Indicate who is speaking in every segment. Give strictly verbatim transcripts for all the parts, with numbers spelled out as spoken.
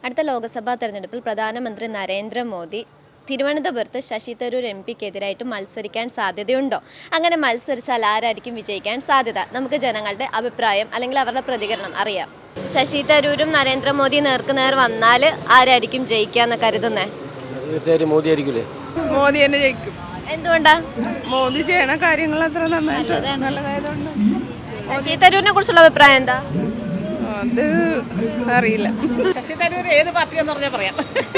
Speaker 1: അടുത്ത ലോക്സഭാ തെരഞ്ഞെടുപ്പിൽ പ്രധാനമന്ത്രി നരേന്ദ്രമോദി തിരുവനന്തപുരത്ത് ശശി തരൂർ എം പിക്കെതിരായിട്ട് മത്സരിക്കാൻ സാധ്യതയുണ്ടോ? അങ്ങനെ മത്സരിച്ചാൽ ആരായിരിക്കും വിജയിക്കാൻ സാധ്യത? നമുക്ക് ജനങ്ങളുടെ അഭിപ്രായം അല്ലെങ്കിൽ അവരുടെ പ്രതികരണം അറിയാം. ശശി തരൂരും നരേന്ദ്രമോദി നേർക്കുനേർ വന്നാൽ ആരായിരിക്കും ജയിക്കാന്ന് കരുതുന്നേ?
Speaker 2: തീർച്ചയായും മോദി ആയിരിക്കില്ലേ?
Speaker 3: മോദി തന്നെ ജയിക്കും.
Speaker 1: എന്തുകൊണ്ടാ?
Speaker 3: മോദി ചെയ്യണ കാര്യങ്ങൾ അത്ര നല്ലതായതുകൊണ്ട്.
Speaker 1: ശശി തരൂരിനെ കുറിച്ചുള്ള അഭിപ്രായം എന്താ?
Speaker 3: അത് അറിയില്ല.
Speaker 4: ശശി തരൂർ ഏത് പാർട്ടിയാന്ന് പറഞ്ഞാൽ പറയാം.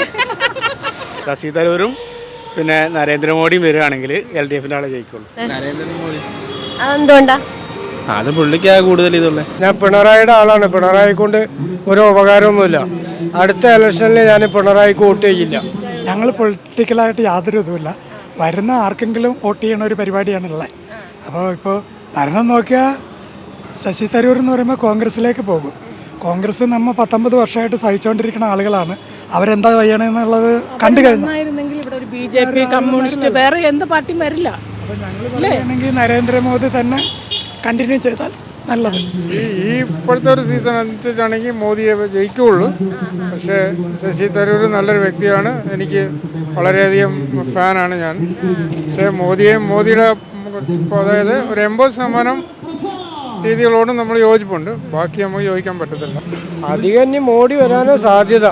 Speaker 2: ശശി തരൂരും പിന്നെ നരേന്ദ്രമോദിയും വരികയാണെങ്കിൽ എൽ ഡി എഫിൻ്റെ ആളെ ജയിക്കുള്ളൂ. നരേന്ദ്രമോദി.
Speaker 1: അതെന്തുകൊണ്ടാ?
Speaker 2: അത് പുള്ളിക്കാ കൂടുതൽ ഇതുള്ളത്.
Speaker 5: ഞാൻ പിണറായിയുടെ ആളാണ്. പിണറായി കൊണ്ട് ഒരു ഉപകാരമൊന്നുമില്ല. അടുത്ത ഇലക്ഷനിൽ ഞാൻ പിണറായിക്ക് വോട്ട് ചെയ്യില്ല.
Speaker 6: ഞങ്ങൾ പൊളിറ്റിക്കലായിട്ട് യാതൊരു ഇതുമില്ല. വരുന്ന ആർക്കെങ്കിലും വോട്ട് ചെയ്യണ ഒരു പരിപാടിയാണുള്ളത്. അപ്പോൾ ഇപ്പോൾ ഭരണം നോക്കിയാൽ ശശി തരൂർ എന്ന് പറയുമ്പോൾ കോൺഗ്രസ്സിലേക്ക് പോകും. കോൺഗ്രസ് നമ്മൾ പത്തൊമ്പത് വർഷമായിട്ട് സഹിച്ചുകൊണ്ടിരിക്കുന്ന ആളുകളാണ്. അവരെന്താ ചെയ്യണമെന്നുള്ളത് കണ്ടു കഴിഞ്ഞു.
Speaker 3: ഇവിടെ ഒരു ബി ജെ പി, കമ്മ്യൂണിസ്റ്റ്, വേറെ എന്ത് പാർട്ടിയും വരില്ല.
Speaker 6: അപ്പോൾ ഞങ്ങൾ പറയുകയാണെങ്കിൽ നരേന്ദ്രമോദി തന്നെ കണ്ടിന്യൂ ചെയ്താൽ നല്ലത്.
Speaker 7: ഈ ഇപ്പോഴത്തെ ഒരു സീസൺ അനുസരിച്ചാണെങ്കിൽ മോദിയെ ജയിക്കുകയുള്ളൂ. പക്ഷേ ശശി തരൂർ നല്ലൊരു വ്യക്തിയാണ്. എനിക്ക് വളരെയധികം ഫാനാണ് ഞാൻ. പക്ഷേ മോദിയെ മോദിയുടെ അതായത് ഒരു എൺപത് ശതമാനം രീതികളോടും നമ്മൾ യോജിപ്പുണ്ട്. ബാക്കി നമുക്ക് യോജിക്കാൻ പറ്റത്തില്ല.
Speaker 5: അധികം ഇനി മോഡി വരാനോ സാധ്യത.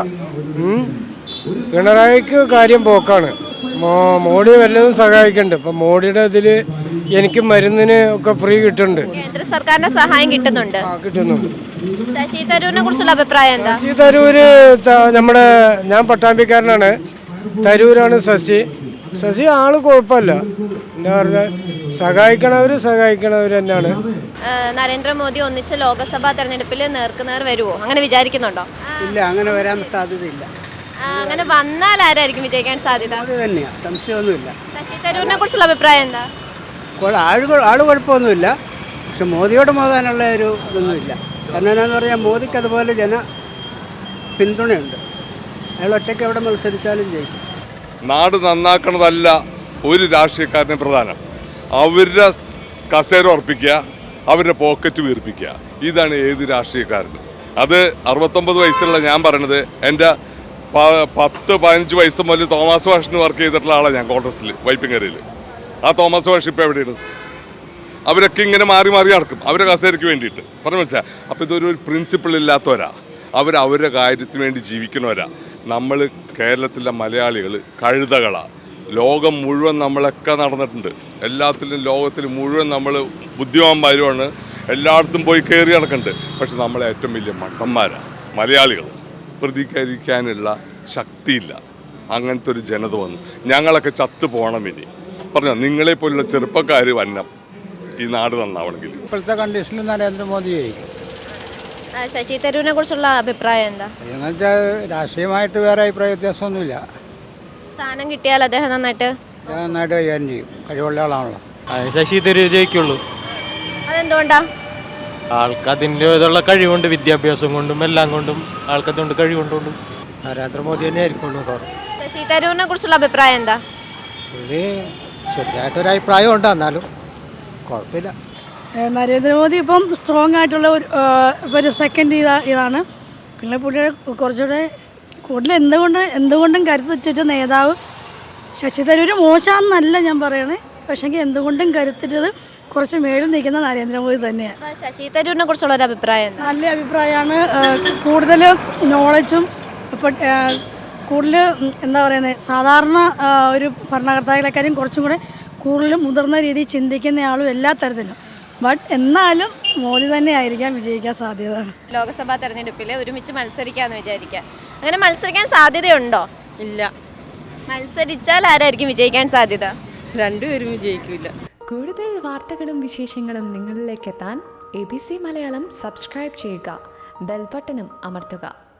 Speaker 5: പിണറായിക്ക് കാര്യം പോക്കാണ്. മോ മോഡി വല്ലതും സഹായിക്കുന്നുണ്ട്. ഇപ്പം മോഡിയുടെ ഇതിൽ എനിക്ക് മരുന്നിന് ഒക്കെ ഫ്രീ കിട്ടുന്നുണ്ട്.
Speaker 1: കേന്ദ്ര സർക്കാരിന്റെ സഹായം കിട്ടുന്നുണ്ട്
Speaker 5: കിട്ടുന്നുണ്ട്.
Speaker 1: ശശി തരൂരിനെ കുറിച്ചുള്ള അഭിപ്രായം എന്താ?
Speaker 5: ശശി തരൂര് നമ്മുടെ ഞാൻ പട്ടാമ്പിക്കാരനാണ്. തരൂരാണ് ശശി. ശശി ആള് കുഴപ്പമില്ല. എന്താ പറഞ്ഞാൽ സഹായിക്കണവർ സഹായിക്കണവർ തന്നെയാണ്.
Speaker 1: നരേന്ദ്രമോദി ഒന്നിച്ച് ലോക്സഭാ തെരഞ്ഞെടുപ്പിൽ നേർക്കുനേർ വരുമോ? അങ്ങനെ വിചാരിക്കുന്നുണ്ടോ?
Speaker 4: ഇല്ല, അങ്ങനെ വരാൻ സാധ്യതയില്ല.
Speaker 1: അങ്ങനെ വന്നാൽ ആരായിരിക്കും വിജയിക്കാൻ സാധ്യത?
Speaker 4: അത് തന്നെയാണ്, സംശയമൊന്നുമില്ല.
Speaker 1: ശശി തരൂരിനെ കുറിച്ചുള്ള അഭിപ്രായം എന്താ?
Speaker 4: ആള് ആള് കുഴപ്പമൊന്നുമില്ല. പക്ഷെ മോദിയോട് മോതാനുള്ള ഒരു ഇതൊന്നുമില്ല. കാരണം എന്നാന്ന് പറഞ്ഞാൽ മോദിക്ക് അതുപോലെ ജന പിന്തുണയുണ്ട്. അയാൾ ഒറ്റയ്ക്ക് എവിടെ മത്സരിച്ചാലും ജയിക്കും.
Speaker 8: നാട് നന്നാക്കണതല്ല ഒരു രാഷ്ട്രീയക്കാരനെ പ്രധാനം. അവരുടെ കസേര ഉറപ്പിക്കുക, അവരുടെ പോക്കറ്റ് വീർപ്പിക്കുക. ഇതാണ് ഏത് രാഷ്ട്രീയക്കാരനും. അത് അറുപത്തൊമ്പത് വയസ്സുള്ള ഞാൻ പറയണത്. എൻ്റെ പത്ത് പതിനഞ്ച് വയസ്സ് മുതൽ തോമസ് വാഷിന് വർക്ക് ചെയ്തിട്ടുള്ള ആളാണ് ഞാൻ കോൺഗ്രസ്സിൽ, വൈപ്പിങ്ങരയിൽ. ആ തോമസ് വാഷ് ഇപ്പോൾ എവിടെയാണ്? അവരൊക്കെ ഇങ്ങനെ മാറി മാറി നടക്കും അവരുടെ കസേരയ്ക്ക് വേണ്ടിയിട്ട്. പറഞ്ഞു മനസ്സിലായി? അപ്പോൾ ഇതൊരു പ്രിൻസിപ്പിൾ ഇല്ലാത്തവരാ. അവർ അവരുടെ കാര്യത്തിന് വേണ്ടി ജീവിക്കുന്നവരാ. നമ്മൾ കേരളത്തിലെ മലയാളികൾ കഴുതകളാണ്. ലോകം മുഴുവൻ നമ്മളൊക്കെ നടന്നിട്ടുണ്ട്. എല്ലാത്തിലും ലോകത്തിൽ മുഴുവൻ നമ്മൾ ബുദ്ധിമാന്മാരുമാണ്. എല്ലായിടത്തും പോയി കയറി നടക്കുന്നുണ്ട്. പക്ഷെ നമ്മളെ ഏറ്റവും വലിയ മണ്ടന്മാരാണ് മലയാളികൾ. പ്രതികരിക്കാനുള്ള ശക്തിയില്ല. അങ്ങനത്തെ ഒരു ജനത വന്നു. ഞങ്ങളൊക്കെ ചത്തു പോകണം. ഇനി പറഞ്ഞോ, നിങ്ങളെപ്പോലുള്ള ചെറുപ്പക്കാർ വന്നം ഈ നാട് നന്നാവണമെങ്കിൽ.
Speaker 2: ഇപ്പോഴത്തെ കണ്ടീഷനിൽ നരേന്ദ്രമോദി ജയിക്കും.
Speaker 1: ശശി തരൂരിനെ കുറിച്ചുള്ള അഭിപ്രായം എന്താ?
Speaker 2: എന്ന് വെച്ചാൽ രാഷ്ട്രീയമായിട്ട് വേറെ അഭിപ്രായ വ്യത്യാസമൊന്നുമില്ല.
Speaker 1: സ്ഥാനം കിട്ടിയാൽ അദ്ദേഹം നന്നായിട്ട്
Speaker 2: നന്നായിട്ട് കൈകാര്യം ചെയ്യും. കഴിവുള്ള ആളാണല്ലോ.
Speaker 5: ശശി തരൂർ ജയിക്കുള്ളൂ.
Speaker 1: അതെന്തുകൊണ്ടാ?
Speaker 5: ആൾക്ക് അതിൻ്റെ ഇതുള്ള കഴിവുണ്ട്. വിദ്യാഭ്യാസം കൊണ്ടും എല്ലാം കൊണ്ടും ആൾക്കതുകൊണ്ട് കഴിവുണ്ടുണ്ട്.
Speaker 2: നരേന്ദ്രമോദി തന്നെ ആയിരിക്കുള്ളൂ.
Speaker 1: ശശി തരൂരിനെ കുറിച്ചുള്ള അഭിപ്രായം എന്താ?
Speaker 2: പുള്ളി ശരിയായിട്ടൊരു അഭിപ്രായം ഉണ്ട്, എന്നാലും കുഴപ്പമില്ല.
Speaker 9: നരേന്ദ്രമോദി ഇപ്പം സ്ട്രോങ് ആയിട്ടുള്ള ഒരു ഒരു സെക്കൻഡ് ഇതാ ഇതാണ് പിന്നെ പുള്ളിയുടെ കുറച്ചുകൂടെ കൂടുതൽ എന്തുകൊണ്ട് എന്തുകൊണ്ടും കരുത്തുറ്റ നേതാവ്. ശശി തരൂർ മോശമെന്നല്ല ഞാൻ പറയണേ. പക്ഷേങ്കിൽ എന്തുകൊണ്ടും കരുത്തിട്ടത് കുറച്ച് മേളിൽ നിൽക്കുന്ന നരേന്ദ്രമോദി തന്നെയാണ്.
Speaker 1: ശശി തരൂരിനെ കുറിച്ചുള്ള ഒരു അഭിപ്രായം?
Speaker 9: നല്ല അഭിപ്രായമാണ്. കൂടുതൽ നോളജും ഇപ്പം കൂടുതൽ എന്താ പറയുന്നത്, സാധാരണ ഒരു ഭരണകർത്താക്കളെക്കാരും കുറച്ചും കൂടെ കൂടുതലും മുതിർന്ന രീതിയിൽ ചിന്തിക്കുന്ന ആളും എല്ലാ തരത്തിലും. ബട്ട് എന്നാലും മോദി തന്നെ ആയിരിക്കാം വിജയിക്കാൻ സാധ്യത.
Speaker 1: ലോക്സഭാ തെരഞ്ഞെടുപ്പിൽ ഒരുമിച്ച് മത്സരിക്കാമെന്ന് വിചാരിക്കാം. അങ്ങനെ മത്സരിക്കാൻ സാധ്യതയുണ്ടോ?
Speaker 3: ഇല്ല.
Speaker 1: മത്സരിച്ചാൽ ആരായിരിക്കും വിജയിക്കാൻ സാധ്യത?
Speaker 3: രണ്ടുപേരും വിജയിക്കില്ല.
Speaker 10: കൂടുതൽ വാർത്തകളും വിശേഷങ്ങളും നിങ്ങളിലേക്ക് എത്താൻ A B C Malayalam subscribe ചെയ്യുക, ബെൽ ബട്ടണും അമർത്തുക.